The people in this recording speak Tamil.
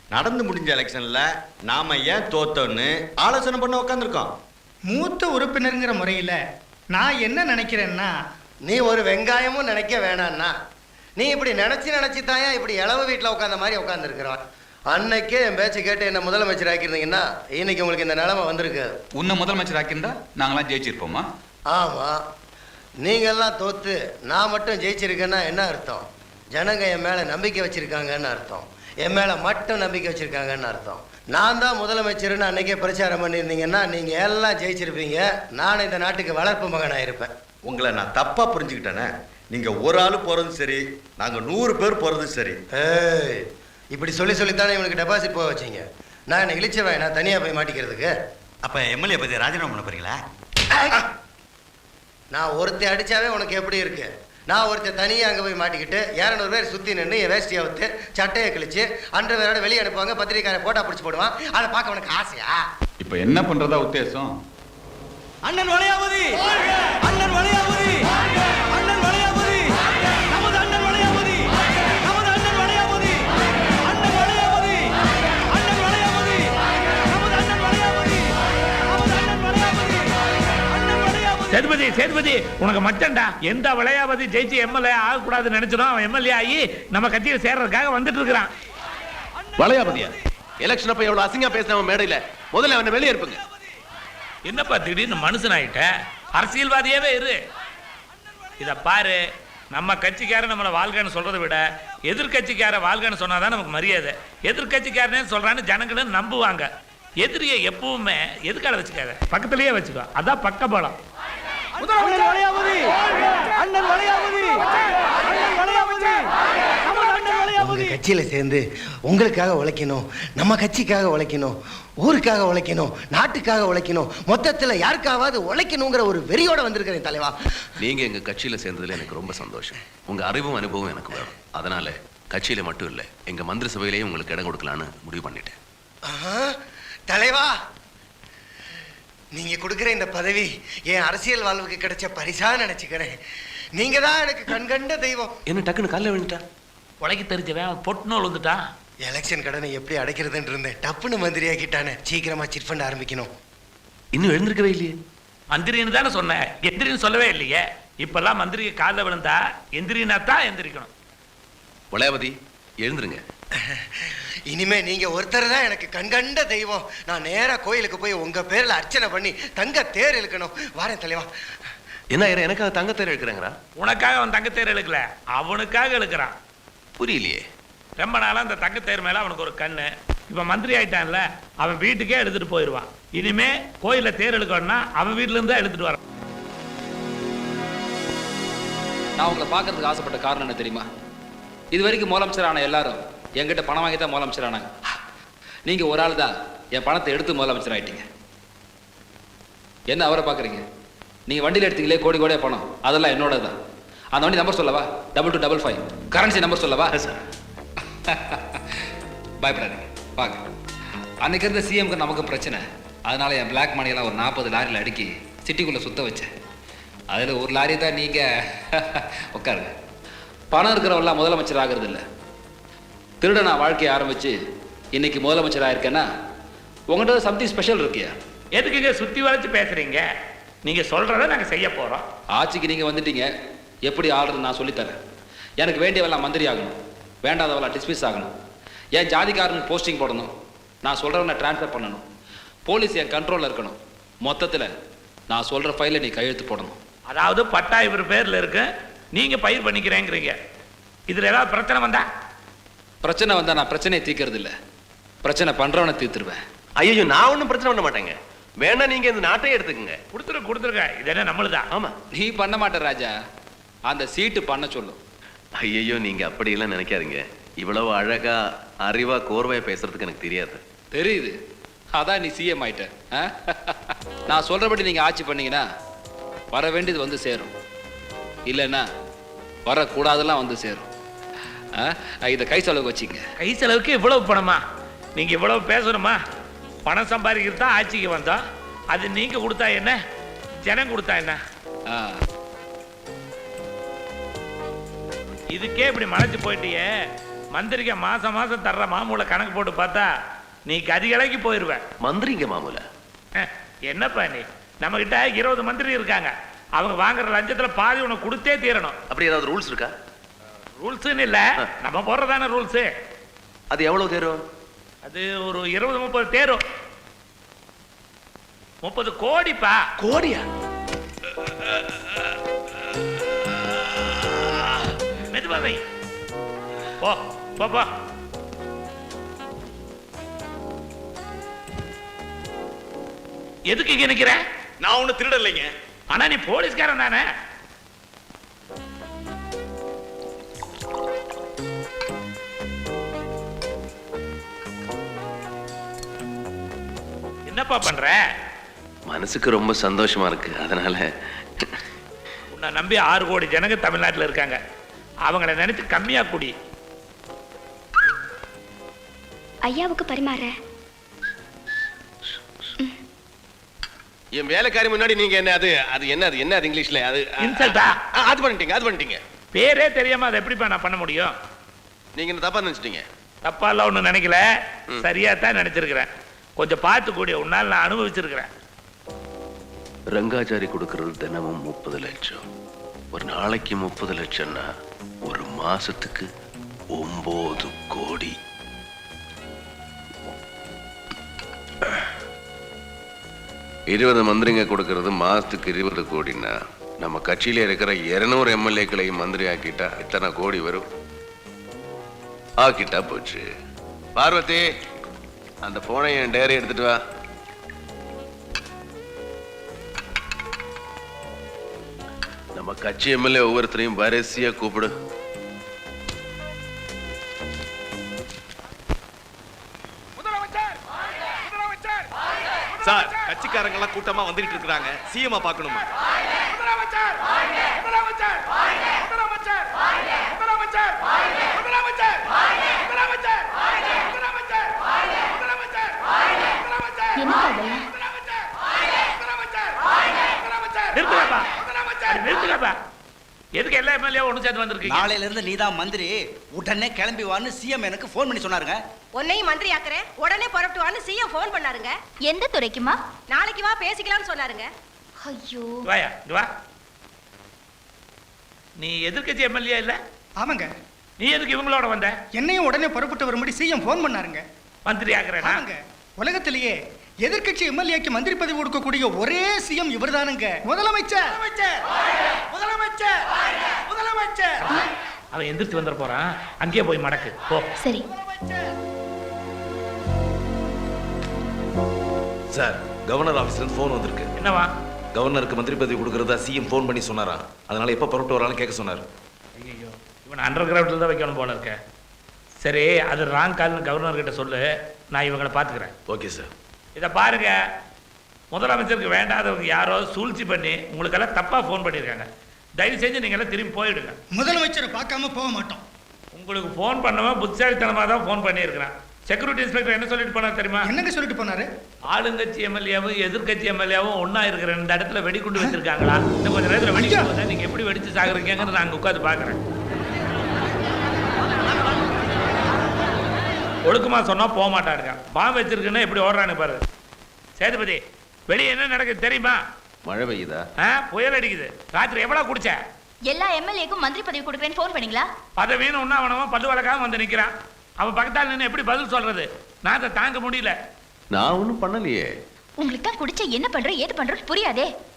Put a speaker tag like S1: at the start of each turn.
S1: நடந்து முடிஞ்ச எலெக்ஷன்ல நாம ஏன் தோத்தோன்னு ஆலோசனை பண்ண உட்காந்துருக்கோம்.
S2: மூத்த உறுப்பினருங்கிற முறையில் நான் என்ன நினைக்கிறேன்னா,
S3: நீ ஒரு வெங்காயமும் நினைக்க வேணான்னா, நீ இப்படி நினச்சி தாயா இப்படி இளவு வீட்டில் உட்காந்த மாதிரி உட்காந்துருக்குறான். அன்னைக்கே என் பேச்சு கேட்டு என்ன முதலமைச்சர் ஆக்கியிருந்தீங்கன்னா இன்னைக்கு உங்களுக்கு இந்த நிலைமை வந்திருக்கு.
S4: உன்னை முதலமைச்சர் ஆக்கியிருந்தா நாங்களாம் ஜெயிச்சிருப்போமா?
S3: ஆமாம், நீங்கள்லாம் தோத்து நான் மட்டும் ஜெயிச்சிருக்கேன்னா என்ன அர்த்தம்? ஜனங்க என் மேலே நம்பிக்கை வச்சுருக்காங்கன்னு அர்த்தம். என் மேலே மட்டும் நம்பிக்கை வச்சுருக்காங்கன்னு அர்த்தம். நான் தான் முதலமைச்சர்னு அன்றைக்கே பிரச்சாரம் பண்ணியிருந்தீங்கன்னா நீங்கள் எல்லாம் ஜெயிச்சிருப்பீங்க. நான் இந்த நாட்டுக்கு வளர்ப்பு மகனாக இருப்பேன்.
S1: உங்களை நான் தப்பா புரிஞ்சுக்கிட்டேனே. நீங்க ஒரு ஆள் போறதும் சரி, நாங்க 100 பேர் போறதும் சரி.
S3: ஏய், இப்படி சொல்லித்தானே இவனுக்கு டெபாசிட் போக வச்சிங்க. நான் என்ன இழிச்சவன் நான் தனியாக போய் மாட்டிக்கிறதுக்கு?
S1: அப்ப எம்எல்ஏ பத்தி ராஜினாமா பண்ண போறீங்களா?
S3: நான் ஒருத்தர் அடித்தாவே உனக்கு எப்படி இருக்கு? நான் ஒருத்தர் தனியாக அங்கே போய் மாட்டிக்கிட்டு 200 பேர் சுற்றி நின்று என் வேஷ்டியை விட்டு சட்டையை கிழிச்சு அன்று வேறோட வெளியே அனுப்புவாங்க, பத்திரிக்காரை போட்டா பிடிச்சி போடுவான். அதை பார்க்க உனக்கு ஆசையா?
S4: இப்போ என்ன பண்றதா உத்தேசம்?
S5: அண்ணன் வளையாபதி, அண்ணன் வளையாபதி, அண்ணன் வளையாபதி, நமது அண்ணன் வளையாபதி, நமது அண்ணன் வளையாபதி, அண்ணன் வளையாபதி, அண்ணன் வளையாபதி, நமது அண்ணன் வளையாபதி, நமது அண்ணன் வளையாபதி, அண்ணன் வளையாபதி.
S6: சேதுபதி, சேதுபதி, உனக்கு மச்சண்டா. எந்த வளையாபதி ஜெயிச்சு எம்எல்ஏ ஆகக்கூடாதுன்னு நினைச்சோம், அவன் எம்எல்ஏ ஆகி நம்ம கட்சியில் சேர்றதுக்காக வந்துட்டு இருக்கிறான்.
S7: வளையாபதியா? எலெக்ஷன் அப்ப எவ்வளவு அசிங்கா பேசினவன் மேடையில, முதல்ல அவனை வெளியே இருப்புங்க.
S6: என்னப்பா திடீர்னு மனுஷன் ஆயிட்ட? அரசியல்வாதியாவே இரு. இத பாரு, நம்ம கட்சிக்காரன் நம்மளை வாழ்கன்னு சொல்றதை விட எதிர்கட்சிக்கார வாழ்கன்னு சொன்னாதான் நமக்கு மரியாதை. எதிர்கட்சிக்காரனே சொல்றான்னு ஜனங்களும் நம்புவாங்க. எதிரியை எப்பவுமே எதுக்கால வச்சுக்காத, பக்கத்திலேயே வச்சுக்கோ. அதான் பக்க பலம்.
S5: அண்ணன் வளையாபதி, அண்ணன் வளையாபதி, அண்ணன் வளையாபதி, நமது அண்ணன் வளையாபதி.
S3: கட்சியில் சேர்ந்து உங்களுக்காக உழைக்கணும், நம்ம கட்சிக்காக உழைக்கணும், ஊருக்காக உழைக்கணும், நாட்டுக்காக உழைக்கணும், மொத்தத்தில் யாருக்காவது உழைக்கணுங்கிற ஒரு வெறியோட வந்திருக்கிறேன் தலைவா.
S7: நீங்க எங்க கட்சியில சேர்ந்ததுல எனக்கு ரொம்ப சந்தோஷம். உங்க அறிவும் அனுபவம் எனக்கு வேணும். அதனால கட்சியில மட்டும் இல்ல, எங்க மந்திரி சபையிலேயே உங்களுக்கு இடம் கொடுக்கலான்னு முடிவு பண்ணிட்டேன்.
S3: தலைவா, நீங்க கொடுக்குற இந்த பதவி என் அரசியல் வாழ்வுக்கு கிடைச்ச பரிசா நினைச்சுக்கிறேன். நீங்க தான் எனக்கு கண்கண்ட தெய்வம்.
S7: என்ன டக்குன்னு காலைல விழுந்துட்டா?
S6: உலகி தெரிஞ்சவன் பொட்டு நூல் வந்துட்டான்.
S3: எலெக்ஷன் கடனை எப்படி அடைக்கிறதுன்னு இருந்தேன், டப்புன்னு மந்திரி ஆக்கிட்டானே. சீக்கிரமா சிட் ஃபண்ட் ஆரம்பிக்கணும்.
S7: இன்னும் எழுந்திருக்கவே இல்லையே.
S6: மந்திரின்னு தானே சொன்னேன், எந்திரின்னு சொல்லவே இல்லையே. இப்பெல்லாம் மந்திரிக்கு காலில் விழுந்தா எந்திரினா தான் எந்திரிக்கணும்.
S7: வளையாபதி, எழுந்துருங்க.
S3: இனிமே நீங்க ஒருத்தர் தான் எனக்கு கண்கண்ட தெய்வம். நான் நேரா கோயிலுக்கு போய் உங்க பேர்ல அர்ச்சனை பண்ணி தங்க தேர் இழுக்கணும். வாரேன் தலைவா.
S7: என்ன எனக்காக தங்கத்தேர் எடுக்கிறாங்களா?
S6: உனக்காக அவன் தங்கத்தேர் இழுக்கல, அவனுக்காக இழுக்கிறான்.
S7: புரியலையே.
S6: ரொம்ப நாளா அந்த தங்கத்தேர் மேல அவனுக்கு ஒரு கண்ணு. இப்ப மந்திரி ஆயிட்டான்ல, அவன் வீட்டுக்கே எடுத்துட்டு போயிடுவான். இனிமே கோயில தேர் இழுக்கணும்னா அவன் வீட்டுல இருந்து எடுத்துட்டு வரான்.
S8: நான் உங்களை பார்க்கறதுக்கு ஆசைப்பட்ட காரணம் என்ன தெரியுமா? இது வரைக்கும் முதலமைச்சர் ஆன எல்லாரும் என்கிட்ட பணம் வாங்கி தான் முதலமைச்சர் ஆனாங்க. நீங்க ஒரு ஆள் தான் என் பணத்தை எடுத்து முதலமைச்சர் ஆயிட்டீங்க. என்ன அவரை பார்க்குறீங்க? நீங்க வண்டியில் எடுத்தீங்களே கோடி கோடியா பணம், அதெல்லாம் என்னோட தான். அந்த வண்டி நம்பர் சொல்லவா? 2255. கரன்சி நம்பர் சொல்லவா? பயப்படாதீங்க, வாங்க. அன்னைக்கு இருந்த சிஎம்க்கு நமக்கு பிரச்சனை. அதனால என் பிளாக் மணியெல்லாம் ஒரு 40 லாரியில் அடுக்கி சிட்டிக்குள்ளே சுத்த வச்சேன். அதில் ஒரு லாரி தான் நீங்கள். உட்காருங்க. பணம் இருக்கிறவெல்லாம் முதலமைச்சர் ஆகிறது இல்லை. திருட நான் வாழ்க்கையை ஆரம்பித்து இன்னைக்கு முதலமைச்சர் ஆயிருக்கேன்னா உங்கள்கிட்ட சம்திங் ஸ்பெஷல் இருக்கியா?
S6: எதுக்குங்க சுற்றி வளைச்சு பேசுறீங்க? நீங்க சொல்றத நாங்கள் செய்ய போகிறோம்.
S8: ஆட்சிக்கு நீங்கள் வந்துட்டீங்க, எப்படி ஆளுறது நான் சொல்லித்தரேன். எனக்கு வேண்டியவெல்லாம் மந்திரி ஆகணும், வேண்டாதவெல்லாம் டிஸ்மிஸ் ஆகணும். என் ஜாதிக்காரனுக்கு போஸ்டிங் போடணும், நான் சொல்கிறவனை ட்ரான்ஸ்ஃபர் பண்ணணும். போலீஸ் என் கண்ட்ரோலில் இருக்கணும். மொத்தத்தில் நான் சொல்கிற ஃபைலை நீ கையெழுத்து போடணும்.
S6: அதாவது பட்டா இவர் பேரில் இருக்கு, நீங்கள் பயிர் பண்ணிக்கிறேங்கிறீங்க. இதில் ஏதாவது பிரச்சனை வந்தா?
S8: பிரச்சனை வந்தால் நான் பிரச்சனையை தீர்க்கறது இல்லை, பிரச்சனை பண்ணுறவனை தீர்த்துருவேன்.
S7: ஐயோ, நான் ஒன்றும் பிரச்சனை பண்ண மாட்டேங்க. வேணா நீங்க இந்த நாட்டையே எடுத்துக்கங்க.
S6: கொடுத்துருங்க. இது என்ன நம்மளுதான்?
S7: ஆமா.
S8: நீ பண்ண மாட்ட ராஜா, அந்த சீட்டு பண்ண சொல்லும்.
S7: ஐயோ, நீங்க அப்படியெல்லாம் நினைக்காதீங்க. இவ்வளவு அழகா அறிவா கோர்வையா பேசுறதுக்கு எனக்கு தெரியாது.
S8: தெரியுது, அதான் நீ சிஎம் ஆயிட்ட. நான் சொல்றபடி நீங்க ஆட்சி பண்ணீங்கன்னா வர வேண்டியது வந்து சேரும், இல்லைன்னா வரக்கூடாதெல்லாம் வந்து சேரும். இதை கை செலவுக்கு வச்சுங்க.
S6: கை செலவுக்கு இவ்வளவு பணமா? நீங்க இவ்வளவு பேசணுமா? பணம் சம்பாதிக்கிறது தான் ஆட்சிக்கு வந்தோம். அது நீங்க கொடுத்தா என்ன, ஜனம் கொடுத்தா என்ன? இதுக்கே இப்படி மறைச்சு போயிட்டியே, மந்திரிக்க மாசம் மாசம் தர்ற மாமூலை கணக்கு போட்டு பார்த்தா நீ கதிகலைக்கு போயிருவ.
S7: மந்திரிங்க மாமூல.
S6: என்னப்பா நீ, நம்ம கிட்ட 20 மந்திரி இருக்காங்க. அவங்க வாங்குற லஞ்சத்துல பாதி உனக்கு கொடுத்தே தீரணும்.
S7: அப்படி ஏதாவது ரூல்ஸ் இருக்கா?
S6: ரூல்ஸ்ன்னு இல்ல, நம்ம போடுறதான ரூல்ஸ்.
S7: அது எவ்வளவு தேரும்?
S6: அது ஒரு 20-30 தேரும். 30 கோடிப்பா.
S7: கோடியா?
S6: மெதுவாவை போ போ போ. எதுக்கு இங்க நிக்கிற?
S1: நான் ஒண்ணு திருடலைங்க.
S6: ஆனா நீ போலீஸ்காரன் தானே? என்னப்பா பண்ற?
S7: மனசுக்கு ரொம்ப சந்தோஷமா இருக்கு, அதனால.
S6: உன்னை நம்பி 6 கோடி ஜனங்க தமிழ்நாட்டில் இருக்காங்க. அவங்கள நினைச்சு கம்மியா குடி.
S9: ஐயாவுக்கு பரிமாற.
S10: என் வேலைக்காரி முன்னாடி நீங்க என்ன அது அது என்ன அது என்ன அது இங்கிலீஷ்ல அது
S6: இன்சல்ட்டா?
S10: அது பண்ணிட்டீங்க.
S6: பேரே தெரியாம அதை எப்படிப்பா நான் பண்ண முடியும்?
S10: நீங்க என்ன தப்பா நினைச்சிட்டீங்க?
S6: தப்பா எல்லாம் ஒன்றும் நினைக்கல, சரியா தான் நினைச்சிருக்கிறேன். கொஞ்சம் பார்த்து கூடிய உன்னால் நான் அனுபவிச்சிருக்கிறேன்.
S7: ரங்காச்சாரி கொடுக்கறது தினமும் 30 லட்சம். ஒரு நாளைக்கு 30 லட்சம்னா ஒரு மாசத்துக்கு 9 கோடி. இருபது மந்திரிங்க கொடுக்கறது மாசத்துக்கு 20 கோடின்னா நம்ம கட்சியில இருக்கிற 200 எம்எல்ஏக்களையும் மந்திரி ஆக்கிட்டா இத்தனை கோடி வரும். ஆக்கிட்டா போச்சு. பார்வதி, அந்த போனை என் டைரி எடுத்துட்டு வா. நம்ம கட்சி எம்எல்ஏ ஒவ்வொருத்தரையும் வரிசையா கூப்பிடு.
S10: சார், கட்சிக்காரங்க எல்லாம் கூட்டமா வந்துட்டு இருக்காங்க. சிஎம் பார்க்கணுமா?
S6: நிறுத்துக்கப்பா. எதுக்கு எல்லா எம்எல்ஏ ஒண்ணு சேர்ந்து வந்திருக்கீங்க?
S5: நாளையில இருந்து நீதான் மந்திரி, உடனே கிளம்பி வான்னு சிஎம் எனக்கு ஃபோன் பண்ணி சொன்னாருங்க.
S11: உன்னையும் மந்திரி ஆக்குறேன், உடனே புறப்பட்டு வான்னு சிஎம் ஃபோன் பண்ணாருங்க.
S9: எந்த துறைக்குமா?
S11: நாளைக்கு வா பேசிக்கலாம்னு சொன்னாருங்க.
S9: ஐயோ,
S6: வாயா இங்க வா. நீ எதிர்க்கட்சி எம்எல்ஏ இல்ல?
S2: ஆமாங்க.
S6: நீ எதுக்கு இவங்களோட வந்த?
S2: என்னையும் உடனே புறப்பட்டு வரும்படி சிஎம் ஃபோன் பண்ணாருங்க.
S6: மந்திரி ஆக்குறேனா?
S2: ஆமாங்க. உலகத்திலேயே எதிர்க்கட்சி எம்எல்ஏக்கு மந்திரி பதவி கொடுக்கக்கூடிய ஒரே சிஎம் இவர்தானுங்க. முதலமைச்சர்.
S6: அவன் எந்திரிச்சு வந்துட போறான், அங்கேயே போய் மடக்கு போ.
S9: சரி.
S12: சார், கவர்னர் ஆபீஸ்ல ஃபோன் வந்திருக்கு.
S6: என்னவா?
S12: கவர்னருக்கு மந்திரி பதவி கொடுக்கறதா சிஎம் ஃபோன் பண்ணி சொன்னாராம். அதனால எப்ப புறப்பட்டு வரான்னு கேட்க சொன்னார்.
S6: ஐயோ, இவன் அண்டர் கிரவுண்டில் தான் வைக்கணும் போல இருக்க. சரி, அது ராங் கால்னு கவர்னர் கிட்ட சொல்லு, நான் இவங்களை பார்த்துக்கிறேன்.
S12: Okay sir.
S6: இதை பாருங்க, முதலமைச்சருக்கு வேண்டாதவங்க யாரோ சூழ்ச்சி பண்ணி உங்களுக்கெல்லாம் தப்பா ஃபோன் பண்ணியிருக்காங்க. தயவு செஞ்சு நீங்க எல்லாம் திரும்பி போயிடுங்க.
S2: முதலமைச்சரை பார்க்காம போக மாட்டோம்.
S6: உங்களுக்கு ஃபோன் பண்ணவன் புத்திசாலித்தனமா தான் ஃபோன் பண்ணியிருக்கிறான். செக்யூரிட்டி இன்ஸ்பெக்டர் என்ன சொல்லிட்டு போனார் தெரியுமா?
S2: என்னங்க சொல்லிட்டு போனாரு?
S6: ஆளுங்கட்சி எம்எல்ஏவும் எதிர்கட்சி எம்எல்ஏவும் ஒன்னா இருக்கிற இந்த இடத்துல வெடிகுண்டு வச்சிருக்காங்களா? இன்னும் கொஞ்சம் நேரத்தில் வெடிக்கும் போது நீங்க எப்படி வெடிச்சு சாகுறீங்கன்னு நான் உட்காந்து பாக்குறேன். ஒழுக்கமா சொன்னா போக மாட்டாருங்க. பாம்பு வச்சிருக்குன்னா எப்படி ஓடுறான்னு பாரு. சேதுபதி, வெளியே என்ன நடக்குது தெரியுமா?
S7: மழை பெய்யுதா?
S6: புயல் அடிக்குது. ராத்திரி எவ்வளவு குடிச்ச?
S9: எல்லா எம்எல்ஏக்கும் மந்திரி பதவி கொடுக்குறேன்னு ஃபோன் பண்ணீங்களா?
S6: பதவின்னு ஒன்னா அவனவன் பல்லு வழக்காம வந்து நிக்கிறான். அவன் பக்கத்தால் நின்று எப்படி பதில் சொல்றது? நான் அதை தாங்க முடியல.
S7: நான் ஒன்றும் பண்ணலையே.
S9: உங்களுக்கு தான் குடிச்ச என்ன பண்ற ஏது பண்றது புரியாதே.